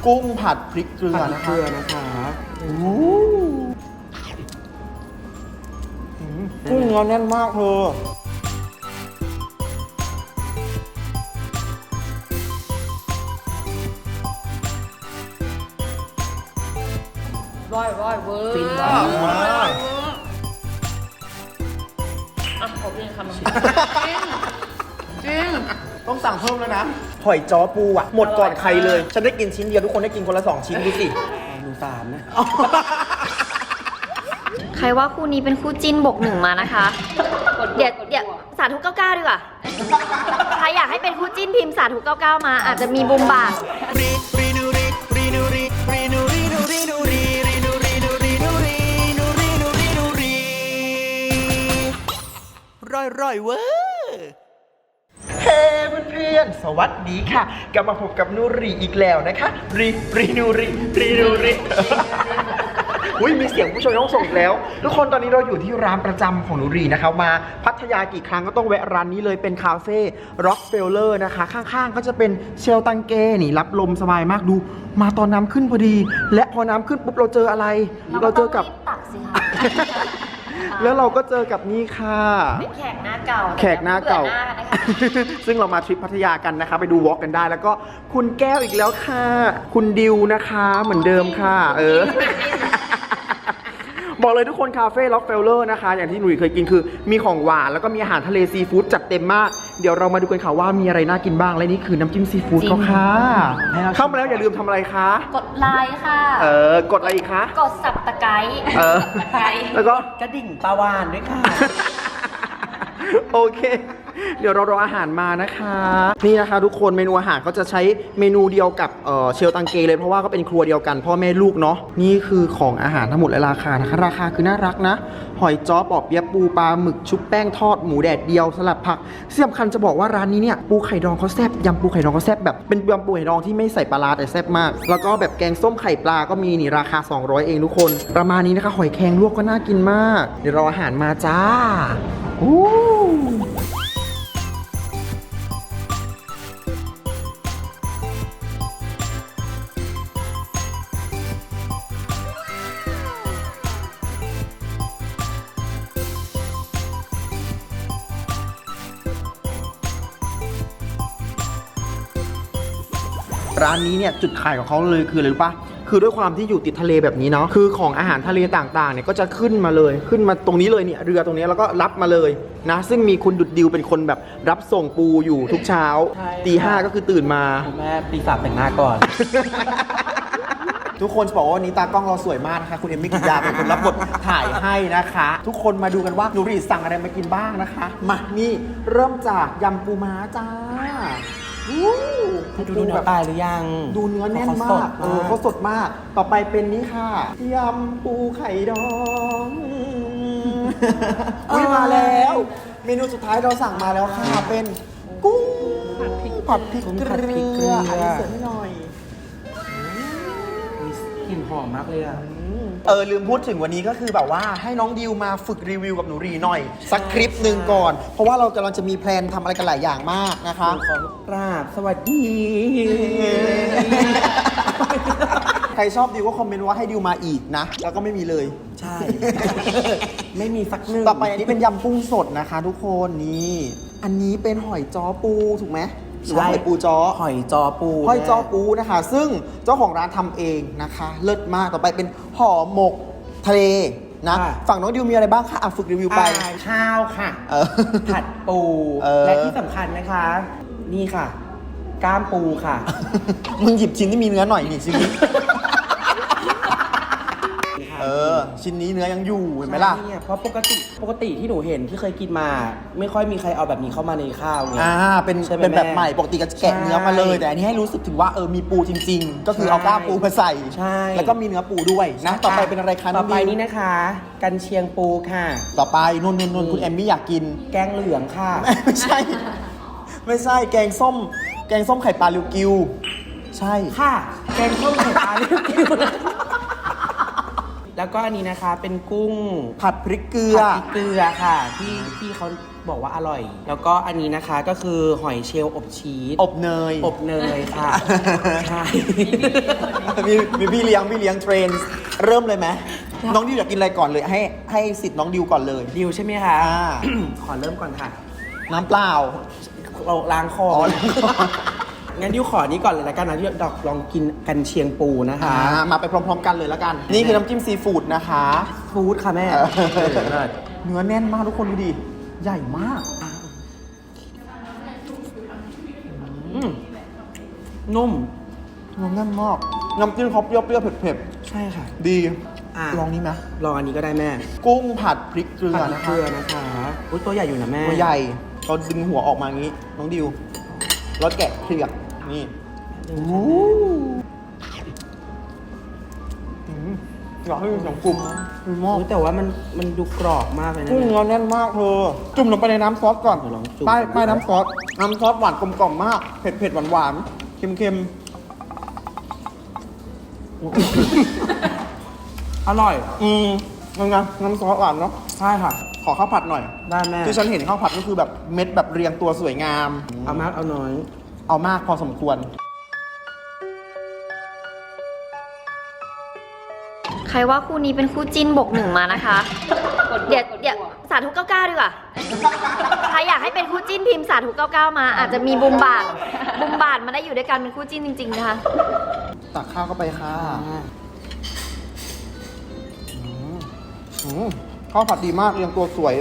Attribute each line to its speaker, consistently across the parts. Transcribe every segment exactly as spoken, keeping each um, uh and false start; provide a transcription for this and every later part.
Speaker 1: กุ้งผัดพริกเกลือนะคะ
Speaker 2: เกลือนะคะ
Speaker 1: กุ้งเนื้อแน่นมากเธอ
Speaker 3: ร้อยร้อยเวอร์
Speaker 2: ฟิน
Speaker 3: มาม
Speaker 2: าก
Speaker 3: อ่ะขอเพียงคำนึงจริงจริง
Speaker 1: ต้องสั่งเพิ่มแล้วนะหอยจ้อปูอ่ะหมดก่อนใครเลย ฉันได้กินชิ้นเดียวทุกคนได้กินคนละสองชิ้นดูสิ
Speaker 2: หนูสามนะ
Speaker 4: ใครว่าคู่นี้เป็นคู่จิ้นบกหนึ่งมานะคะ เดี๋ยวเดี๋ยวสาธุเก้าเก้าดีกว่า ใครอยากให้เป็นคู่จิ้นพิมพ์สาธุเก้าเก้ามา อาจจะมีบุมบาท
Speaker 1: ร่อยร่อยเว้ยเฮ้เพื่อนๆสวัสดีค่ะกลับมาพบกับนูรีอีกแล้วนะคะรีรีนูรีรีนูรีอุ้ยมีเสียงผู้ชมต้องส่งอีกแล้ว ทุกคนตอนนี้เราอยู่ที่ร้านประจำของนูรีนะคะมาพัทยากี่ครั้งก็ต้องแวะร้านนี้เลยเป็นคาเฟ่ร็อกเฟลเลอร์นะคะข้างๆก็จะเป็นเชลตังเก้นี่รับลมสบายมากดูมาตอนน้ำขึ้นพอดี และพอน้ำขึ้นปุ๊บเราเจออะไรเราเจอกับ
Speaker 4: ตักสิคะ
Speaker 1: แล้วเราก็เจอกับนี่ค่ะ
Speaker 4: เป็นแขกหน้าเก่า
Speaker 1: แขกหน้าเก่า
Speaker 4: บื่อหน้นะคะ
Speaker 1: ซึ่งเรามาทริปพัทยากันนะคะ ไปดูวอล์กกันได้ แล้วก็คุณแก้วอีกแล้วค่ะ คุณดิวนะคะเหมือนเดิมค่ะ เออ บอกเลยทุกคนคาเฟ่ล็อกเฟลเลอร์นะคะ อย่างที่หนุ่ยเคยกินคือมีของหวานแล้วก็มีอาหารทะเลซีฟู้ดจัดเต็มมาก เดี๋ยวเรามาดูกันค่ะว่ามีอะไรน่ากินบ้าง และนี่คือน้ำจิ้มซีฟู้ดเขาค่ะเข้ามาแล้วอย่าลืมทำอะไรคะ
Speaker 4: กดไลค์ค่ะ
Speaker 1: เออกดอะไรอีกคะ
Speaker 4: กดสับตะไคร้
Speaker 1: เออ
Speaker 4: ตะไคร้
Speaker 1: แล้วก็
Speaker 2: กระดิ่งปลาวานด้วยค่ะ
Speaker 1: โอเค เดี๋ยวเรารออาหารมานะคะ นี่นะคะทุกคนเมนูอาหารเขาจะใช้เมนูเดียวกับเเชลตังเกเลยเพราะว่าก็เป็นครัวเดียวกันพ่อแม่ลูกเนาะนี่คือของอาหารทั้งหมดและราคานะคะราคาคือน่ารักนะหอยจ้อปอบเปี๊ยะปูปลาหมึกชุบแป้งทอดหมูแดดเดียวสลัดผักที่สำคัญจะบอกว่าร้านนี้เนี่ยปูไข่ดองเขาแซ่บยำปูไข่ดองเขาแซ่บแบบเป็นยำปูไข่ดองที่ไม่ใส่ปลาร้าแต่แซ่บมากแล้วก็แบบแกงส้มไข่ปลาก็มีนี่ราคาสองร้อยเองทุกคนประมาณนี้นะคะหอยแครงลวกก็น่ากินมากเดี๋ยวรออาหารมาจ้าอู้ร้านนี้เนี่ยจุดขายของเขาเลยคืออะไรรู้ปะคือด้วยความที่อยู่ติดทะเลแบบนี้เนาะคือของอาหารทะเลต่างๆเนี่ยก็จะขึ้นมาเลยขึ้นมาตรงนี้เลยเนี่ยเรือตรงนี้แล้วก็รับมาเลยนะซึ่งมีคุณดุดดิวเป็นคนแบบรับส่งปูอยู่ทุกเช้า
Speaker 2: ใช่
Speaker 1: ตีห้าก็คือตื่นมา
Speaker 2: คุณแม่ตีสามแต่งหน้าก่อน
Speaker 1: ทุกคนจะบอกว่าวันนี้ตากล้องเราสวยมากนะคะคุณเอมมี่กิยาเป็นคนรับบทถ่ายให้นะคะ ทุกคนมาดูกันว่าหนูรีสั่งอะไรมากินบ้างนะคะมานี่เริ่มจากยำปูม้าจ้าอู้
Speaker 2: ดูเนื้อตายหรือยัง
Speaker 1: ดูเนื้อแน่น
Speaker 2: เขาส
Speaker 1: มา
Speaker 2: ด
Speaker 1: กเออเขาสดมาก ต่อไปเป็นนี้ค่ะยำปูไข่ดอง อุ้ยมาแล้ว เมนูสุดท้ายเราสั่งมาแล้วค่ะ เป็นกุ้งผัดพริก
Speaker 2: กุ้ง
Speaker 1: เก
Speaker 2: ผัดพริกเกลื
Speaker 1: ลือ
Speaker 2: อ
Speaker 1: อันนี้เสิร์ฟให้หน่อย
Speaker 2: กลิ่นหอมมากเลยอ่ะ
Speaker 1: เออลืมพูดถึงวันนี้ก็คือแบบว่าให้น้องดิวมาฝึกรีวิวกับหนูรีหน่อย สักคลิปหนึ่งก่อน เพราะว่าเรากำลังจะมีแพลนทำอะไรกันหลายอย่างมากนะคะ
Speaker 2: ขอกราบสวัสดี
Speaker 1: ใครชอบดิวก็คอมเมนต์ว่าให้ดิวมาอีกนะ แล้วก็ไม่มีเลย
Speaker 2: ใช่ ไม่มีสักหนึ่ง
Speaker 1: ต่อไปอันนี้เป็นยำกุ้งสดนะคะทุกคนนี่อันนี้เป็นหอยจ้อปูถูกไหมหรือว่าหอยปูจ้อ
Speaker 2: หอยจอปู
Speaker 1: หอยจ้อปูนะคะ ซึ่งเจ้าของร้านทำเองนะคะ เลิศมากต่อไปเป็นห่อหมกทะเลนะฝั่งน้องดิวมีอะไรบ้างคะอ่ะฝึกรีวิวไป
Speaker 2: อ่าข้าวค่ะ
Speaker 1: เออ
Speaker 2: ผัดปู
Speaker 1: เออ
Speaker 2: และที่สำคัญนะคะ นี่ค่ะ ก้ามปูค่ะ
Speaker 1: มึงหยิบชิ้นที่มีเนื้อหน่อยนี่ชิ้นนี้ เออ ชิ้นนี้เนื้อยังอยู่เห็นไหมล่ะ
Speaker 2: ใช่เนี่ยเพราะปกติปกติที่หนูเห็นที่เคยกินมา ไม่ค่อยมีใครเอาแบบนี้เข้ามาในข้าวไง
Speaker 1: อ่า เป็น
Speaker 2: ใช่ไหม
Speaker 1: เป็นแบบ
Speaker 2: แม่
Speaker 1: ใหม่ ปกติก็จะแกะเนื้อมาเลย แต่อันนี้ให้รู้สึกถึงว่าเออ มีปูจริง ๆ ก็คือเอากล้ามปูมาใส่
Speaker 2: ใช่
Speaker 1: แล้วก็มีเนื้อปูด้วยนะ ต่อไปเป็นอะไรคะ
Speaker 2: ต่อไป
Speaker 1: งดิว
Speaker 2: นี้นะคะ กันเชียงปูค่ะ
Speaker 1: ต่อไปนุ่นนุ่นนุ่นคุณแอมมี่อยากกิน
Speaker 2: แกงเหลืองค่ะ
Speaker 1: ไม่ใช่ ไม่ใช่ แกงส้ม แกงส้มไข่ปลาลิวกิว ใช่
Speaker 2: ค่ะ แกงส้มไข่ปลาเรียกกิวแล้วแล้วก็อันนี้นะคะเป็นกุ้ง
Speaker 1: ผัดพริกเกลือ
Speaker 2: ผัดพริกเกลือค่ะ ที่ที่เขาบอกว่าอร่อย แล้วก็อันนี้นะคะก็คือหอยเชลล์อบชีส
Speaker 1: อบเนย
Speaker 2: อบเนยค่ะ ใช่
Speaker 1: มีมีพี่เลี้ยงพี่เลี้ยงเทรนเริ่มเลยไหมน้องดิวอยากกินอะไรก่อนเลยให้ให้สิทธิ์น้องดิวก่อนเลย
Speaker 2: ดิวใช่ไหมคะ
Speaker 1: อ่า
Speaker 2: ขอเริ่มก่อนค่ะ
Speaker 1: น้ำเปล่า
Speaker 2: เราล้างคอ
Speaker 1: อ๋อ
Speaker 2: งั้นดิวขอนี้ก่อนเลยละกันนะที่ดอกลองกินกันเชียงปูนะคะ
Speaker 1: อ่ามาไปพร้อมๆกันเลยแล้วกัน นี่คือน้ำจิ้มซีฟู้ดนะคะ
Speaker 2: ฟู้ดค่ะแม่
Speaker 1: เออ
Speaker 2: เออเลิศ
Speaker 1: เนื้อแน่นมากทุกคนดูดิ ใหญ่มาก
Speaker 2: อืมนุ่ม
Speaker 1: เนื้อแน่นมาก น้ำจิ้มเขาเปรี้ยวๆเผ็ด
Speaker 2: ใช่ค่ะ
Speaker 1: ๆ ดี
Speaker 2: อ่ะ
Speaker 1: ลองนี้ไหม
Speaker 2: ลองอันนี้ก็ได้แม่
Speaker 1: กุ้งผัดพริกเกลือ
Speaker 2: ผัด
Speaker 1: นะ
Speaker 2: เก
Speaker 1: คะ
Speaker 2: ลือนะคะอุ้ยตัวใหญ่อยู่นะแม่
Speaker 1: ตัวใหญ่เราดึงหัวออกมาอย่างนี้ น้องดิวแล้วแกะเปลือกนี่โอ้โหอืมอยากให้มีเสียงกรุบมีหม้อ
Speaker 2: อุ๊ยแต่ว่ามันมันดูกรอบมากเลยนะ
Speaker 1: กุ้ง
Speaker 2: แม่
Speaker 1: เนื้อแน่นมากเธอจุ่มลงไปในน้ำซอสก่อน
Speaker 2: เดี๋ยวลองจุ่ม
Speaker 1: ป้ายป้ายน้ำซอส น้ำซอสหวานกลมกล่อมมาก เผ็ดเผ็ดหวานหวานเค็มเค็ม
Speaker 2: อร่อย
Speaker 1: ๆอืมยังไงน้ำซอสหวานเนาะ
Speaker 2: ใช่ค่ะ
Speaker 1: ขอข้าวผัดหน่อย
Speaker 2: ได้แม่
Speaker 1: ที่ฉันเห็นข้าวผัดก็คือแบบเม็ดแบบเรียงตัวสวยงาม
Speaker 2: เอามากเอาน้อย
Speaker 1: เอามากพอสมควร
Speaker 4: ใครว่าคู่นี้เป็นคู่จิ้นบกหนึ่งมานะคะ เดี๋ยวเดี๋ยวสาธุเก้าเก้าดีกว่า ใครอยากให้เป็นคู่จิ้นพิมพ์สาธุเก้าเก้ามา อาจจะมีบุมบาทบุมบาทมาได้อยู่ด้วยกันเป็นคู่จิ้นจริงๆนะคะ
Speaker 1: ตักข้าวเข้าไปค่ะอืมอืมข้าวผัดดีมากเรียงตัวสวย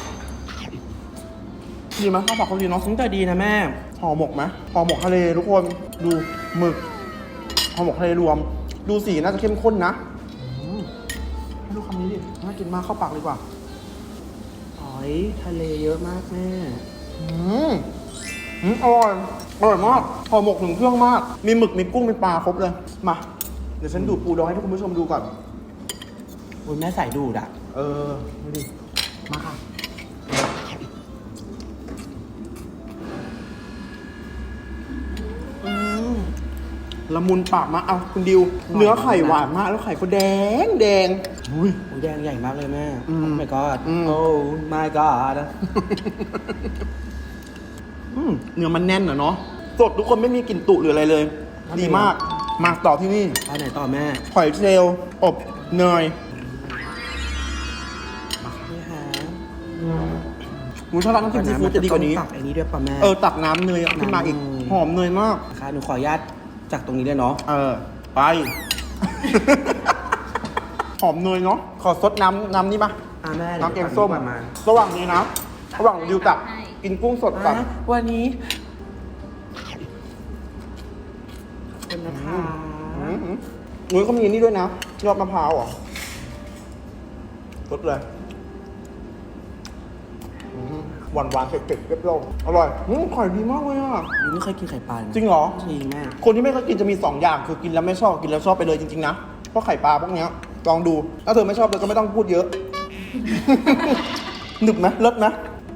Speaker 1: ดีไหมข้าวผัดเขาดีเนาะ
Speaker 2: ซึ่งแต่ดีนะแม่
Speaker 1: ห่อหมกไหมห่อหมกทะเลทุกคนดูหมึกห่อหมกทะเลรวม ดูสีน่าจะเข้มข้นนะอืมให้ดูคำนี้ดิน่ากินมากเข้าปากดีกว่า
Speaker 2: หอยทะเลเยอะมากแม่
Speaker 1: อืมอืมอร่อยอร่อยมากห่อหมกถึงเครื่องมาก มีหมึกมีกุ้งมีปลาครบเลยมาเดี๋ยวฉันดูดปูดองให้ทุกคุณผู้ชมดูก่อน
Speaker 2: อุ้ยแม่ใส่ดูดอ่ะ
Speaker 1: เออดูดิมาค่ะอืมละมุนปากมากเอาคุณดิว เนื้อไข่หวานมากแล้วไข่ก็แดงแดงอุ้ย
Speaker 2: อุ้ยแดงใหญ่มากเลยแม่
Speaker 1: อืม
Speaker 2: โอ้ my god
Speaker 1: อืม
Speaker 2: โอ้ my god
Speaker 1: อืมเนื้อมันแน่นอะเนาะสดทุกคนไม่มีกลิ่นตุหรืออะไรเลย ดีมาก มาต่อที่นี่
Speaker 2: ไปไหนต่อแม่
Speaker 1: หอยเชลล์อบเนย
Speaker 2: นี่ค่ะ
Speaker 1: หมูชอบร้านน้ำจิ้มซีฟู้ดจะดีกว่านี้
Speaker 2: ตักไอ้นี้ด้วยป่ะแม่
Speaker 1: เออ ตักน้ำเนยขึ้นมาอีก
Speaker 2: น้ำเนย
Speaker 1: หอมเนยมาก
Speaker 2: ค่ะหนูขออนุญาตจากตรงนี้เลยเนาะ
Speaker 1: เออ ไป หอมเนยเนาะขอซดน้ำน้ำนี่มา
Speaker 2: อ่ะแม่
Speaker 1: น้ำแกงส้ม
Speaker 2: ประมาณ
Speaker 1: ระหว่างนี้นะระหว่างดิวตักกินกุ้งสดกับ
Speaker 2: อ่ะวันนี้เป็นนะคะ
Speaker 1: อืมอุ้ยเขามีอันนี่ด้วยนะยอดมะพร้าวเหรอรสเลยอืมหวานหวานๆเผ็ดๆเปรี้ยวๆอร่อยอืมไข่ดีมากเลยอ่ะ
Speaker 2: ยูไม่เคยกินไข่ปลานะ
Speaker 1: จริงเหรอ
Speaker 2: จริงแม่
Speaker 1: คนที่ไม่เคยกินจะมีสองอย่างคือกินแล้วไม่ชอบกินแล้วชอบไปเลยจริงๆนะเพราะไข่ปลาพวกเนี้ยลองดูถ้าเธอไม่ชอบเธอก็ไม่ต้องพูดเยอะ หนึบไหมเลิศไหม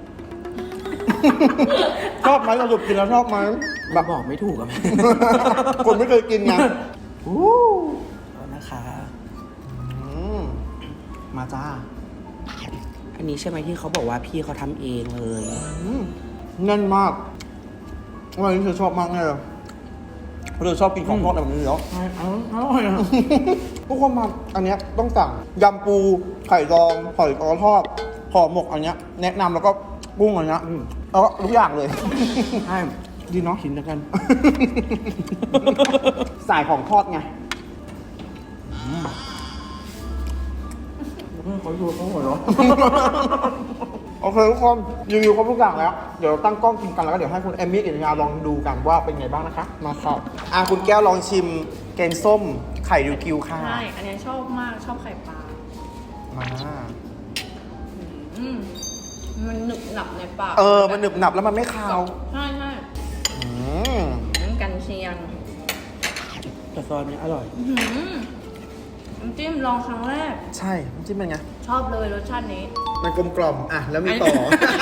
Speaker 1: ชอบไหมสรุปกินแล้วชอบไหมแบบ
Speaker 2: บอกไม่ถูกอะแม่
Speaker 1: คนไม่เคยกินไงอู้
Speaker 2: เอานะคะ
Speaker 1: อืมมาจ้า
Speaker 2: อันนี้ใช่ไหมที่เขาบอกว่าพี่เขาทำเองเลย
Speaker 1: อืมแน่นมากวันนี้เธอชอบมากแน่เลยเพราะเธอชอบกินของทอดแบบนี้อยู่แล้ว
Speaker 2: อร่อยอะ
Speaker 1: ทุกคนมาอันเนี้ยต้องสั่งยำปูไข่ดองหอยกอทอดห่อหมกอันเนี้ยแนะนำแล้วก็กุ้งอันเนี้ยแล้วก็ทุกอย่างเลย
Speaker 2: ใช่
Speaker 1: ดีเนาะ
Speaker 2: กินแล้วกัน
Speaker 1: สายของทอดไง
Speaker 2: เขาดูเขาหัวเราะ
Speaker 1: โอเคทุกคนรีวิวครบทุกอย่างแล้ว เดี๋ยวตั้งกล้องกินกันแล้วก็เดี๋ยวให้คุณเอมมี่กับยาลองดูกันว่าเป็นไงบ้างนะคะ มาครับอ่ะคุณแก้วลองชิมแกงส้มไข่ริวกิวค่ะ
Speaker 3: ใช่ อันนี้ชอบมาก ชอบไข่ปลา
Speaker 1: มา
Speaker 3: อืมมันหนึบหนับในปาก
Speaker 1: เออมันหนึบหนับแล้วมันไม่คาว
Speaker 3: ใช่ใช่
Speaker 1: อืม
Speaker 3: น้ำกันเชียง
Speaker 2: แต่ซอสนี้อร่อย
Speaker 3: อื้อหือน้ำจิ้มลองครั้งแรก
Speaker 1: ใช่น้ำจิ้มเป็นไง
Speaker 3: ชอบเลยรสชาตินี้
Speaker 1: มันกลมกล่อมอ่ะแล้วมีต่อ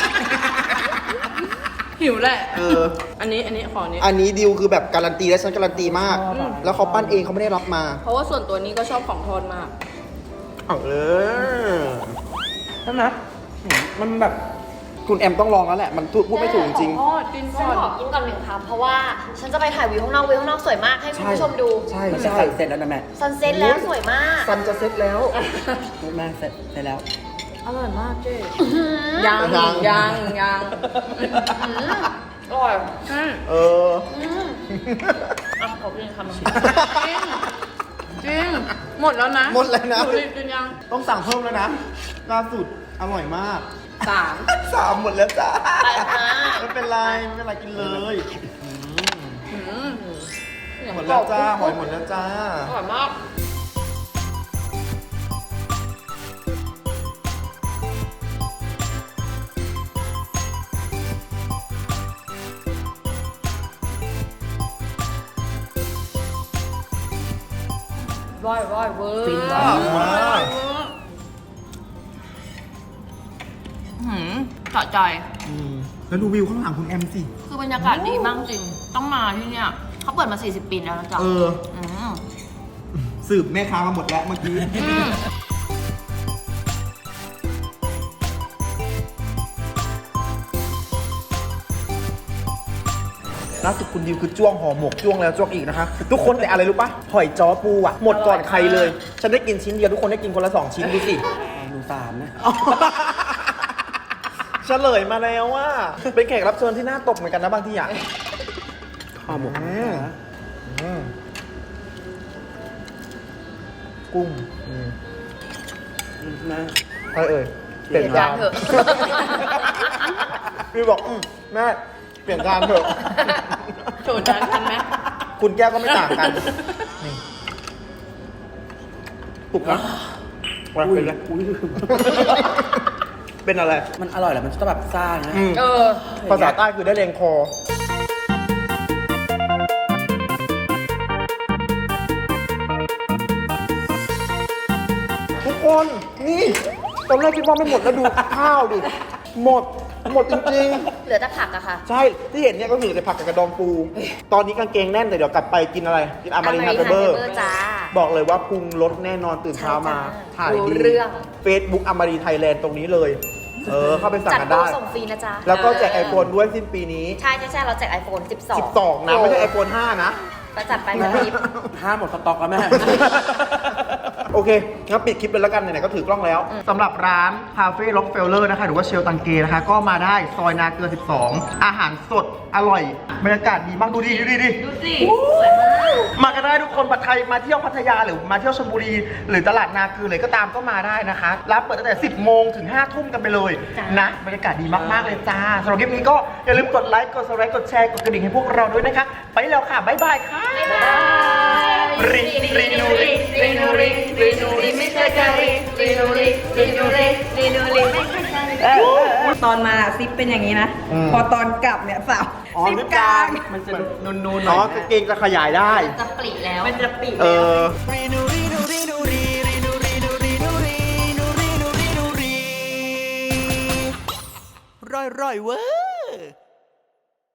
Speaker 3: หิวแหละ
Speaker 1: เออ
Speaker 3: อันนี้อันนี้ขออันนี้
Speaker 1: อันนี้ดิวคือแบบการันตีและฉันการันตีมาก
Speaker 2: ชอบอะ
Speaker 1: แล้วเขาปั้นเองเขาไม่ได้รับมา
Speaker 3: เพราะว่าส่วนตัวนี้ก็ชอบของทอดมาก
Speaker 1: อเอาเออ
Speaker 2: ใช่ไหมมันแบบ
Speaker 1: คุณแอมต้องลองแล้วแหละ มันพูดไม่ถูกจริง
Speaker 3: อ๋อกิน
Speaker 4: ฉั
Speaker 3: ก่
Speaker 4: น
Speaker 3: อน
Speaker 4: ขอกินก่อนหนึ่งคำเพราะว่าฉันจะไปถ่ายวิวข้างนอกวิวข้างนอกสวยมากให้คุณผู้ชมดู
Speaker 1: ใช่
Speaker 2: มัน
Speaker 1: ใช่
Speaker 2: เสร็จแล้วนะแม่
Speaker 4: ซันเซ็ตแล้วสวยมาก
Speaker 1: ซันจะเซ็ตแล้ว
Speaker 2: แม่เสร็จเสร็จแล้ว
Speaker 3: อร่อยมากเจ๊
Speaker 1: ยั
Speaker 3: ยัง งยังยังอร่อยอืม
Speaker 1: เออ
Speaker 3: อ่ะขอกินคำหนึ่งจริงจริงหมดแล้วนะ
Speaker 1: หมดแล้วนะ
Speaker 3: หนูกินยัง
Speaker 1: ต้องสั่งเพิ่มแล้วนะล่าสุดอร่อยมาก
Speaker 3: สาม
Speaker 1: สามหมดแล้วจ้า
Speaker 4: ไปค่ะ
Speaker 1: ไม่เป็นไรไม่เป็นไรกินเลย
Speaker 3: อืม
Speaker 1: หมดแล้วจ้าหอยหมดแล้วจ้า
Speaker 3: อร่อยมาก ร้อยร้อยเวอร์
Speaker 2: ฟิน
Speaker 1: มากมาก
Speaker 3: หืมสะใจ
Speaker 1: อืมแล้วดูวิวข้างหลังคุณแอมสิ
Speaker 3: คือบรรยากาศดีมากจริง ต้องมาที่เนี่ยเขาเปิดมา สี่สิบ ปีแล้วนะจ๊ะ
Speaker 1: เออ
Speaker 3: อืม
Speaker 1: สืบแม่ค้ามาหมดแล้วเมื่อกี้
Speaker 3: อืม
Speaker 1: ล่าสุดคุณดิวคือจ้วงห่อหมกจ้วงแล้วจ้วงอีกนะคะ ทุกคนแต่อะไรรู้ปะหอยจ้อปูอ่ะ หมดก่อนใครเลย ฉันได้กินชิ้นเดียวทุกคนได้กินคนละสองชิ้นดูสิ
Speaker 2: หนูสามนะ
Speaker 1: เฉลยมาแล้วว่า เป็นแขกรับเชิญที่น่าตกเหมือนกันนะบางทีอ่ะ
Speaker 2: ห่อหมก
Speaker 1: อืม อืมกุ้งอืม
Speaker 2: นะ
Speaker 1: อะไรเอ่ยเปลี่ยน
Speaker 3: เปลี่ยนจานเถอะ
Speaker 1: พี่บอกอืมแม่เปลี่ยนจานเถอะ
Speaker 3: โจทย์จานกันไหม
Speaker 1: คุณแก้วก็ไม่ต่างกันนี่ปลุกนะวันเป็นไร
Speaker 2: อุ้ย
Speaker 1: เป็นอะไร
Speaker 2: มันอร่อยแหละมันจะแบบซ่านะ
Speaker 1: อืม
Speaker 3: เออ
Speaker 1: ภาษาใต้คือได้แรงคอ ทุกคนนี่ตอนแรกคิดว่าไม่หมดแล้วดูข้าวดิ หมด หมดจริง
Speaker 4: เหลือแต่ผักอะค่ะ
Speaker 1: ๆ ใช่ ที่เห็นเนี่ยก็คือแต่ผักกับกระดองปู ตอนนี้กางเกงแน่นแต่เดี๋ยวกลับไปกินอะไร กินอามารินฮาร์เบอร์
Speaker 4: Amarin Harbour จ้า
Speaker 1: บอกเลยว่าปรุงรสแน่นอนตื่นเช้ามา
Speaker 4: ใช่จ้า
Speaker 1: ถ่าย
Speaker 4: รู้
Speaker 1: ดี
Speaker 4: เรื่อง
Speaker 1: เฟซบุ๊กอามารีไทยแลนด์ตรงนี้เลย เออ เข้าไปสั่ง
Speaker 4: จัด
Speaker 1: กัน
Speaker 4: โปร
Speaker 1: ได้
Speaker 4: ส่งฟรีนะจ๊ะ
Speaker 1: แล้วก็แจกไอโฟนด้วยสิ้นปีนี้
Speaker 4: ใช่ใช่ใช่เราแจก iPhone สิบสอง
Speaker 1: สิบสองนะ ไม่ใช่ไอโฟนห้านะ
Speaker 4: ก็จัดไปแบบนี้
Speaker 2: ห้าหมดสต็อกแล้วแม่
Speaker 1: โอเคงั้นปิดคลิปเลยแล้วกันไหนๆก็ถือกล้องแล้วสำหรับร้านคาเฟ่ล็อกเฟลเลอร์นะคะ หรือว่าเชลตังเกนะคะ ก็มาได้ซอยนาเกลือสิบสอง อาหารสดอร่อย บรรยากาศดีมากดูดิดูดิดิ
Speaker 3: ดูสิ
Speaker 4: สวยมาก
Speaker 1: มากันได้ทุกคนใครมาเที่ยวพัทยาหรือมาเที่ยวชลบุรี หรือตลาดนาเกลือเลยก็ตามก็มาได้นะคะร้านเปิดตั้งแต่สิบโมงถึงห้าทุ่มกันไปเลย
Speaker 4: จ้ะ
Speaker 1: นะบรรยากาศดีมากๆเลยจ้าสำหรับคลิปนี้ก็อย่าลืมกดไลค์กดซับสไครต์กดแชร์กดกระดิ่งให้พวกเราด้วยนะคะไปแล้วค่ะบ๊ายบายค่ะ
Speaker 4: บ๊ายบาย
Speaker 1: ริรินูริ
Speaker 3: รีนูริรีนูริไม่ใช่กะริรีนูริรีนูริรีนูริไม่ใช่กะริ
Speaker 5: ตอนมาซิปเป็นอย่างนี้นะ
Speaker 1: อืม
Speaker 5: พอตอนกลับเนี่ยสาว
Speaker 1: อ๋อ
Speaker 5: ซิป
Speaker 1: ลิป
Speaker 5: ก
Speaker 1: ก
Speaker 5: ลา
Speaker 1: ลาง ง
Speaker 2: มันจะนูนๆห
Speaker 1: อ๋
Speaker 2: น่
Speaker 1: อ
Speaker 2: อย
Speaker 1: กางเกงจะขยายได้
Speaker 4: จะปลีแล้ว
Speaker 5: มันจะปิด
Speaker 1: เออ
Speaker 2: ร่อยๆเว้ย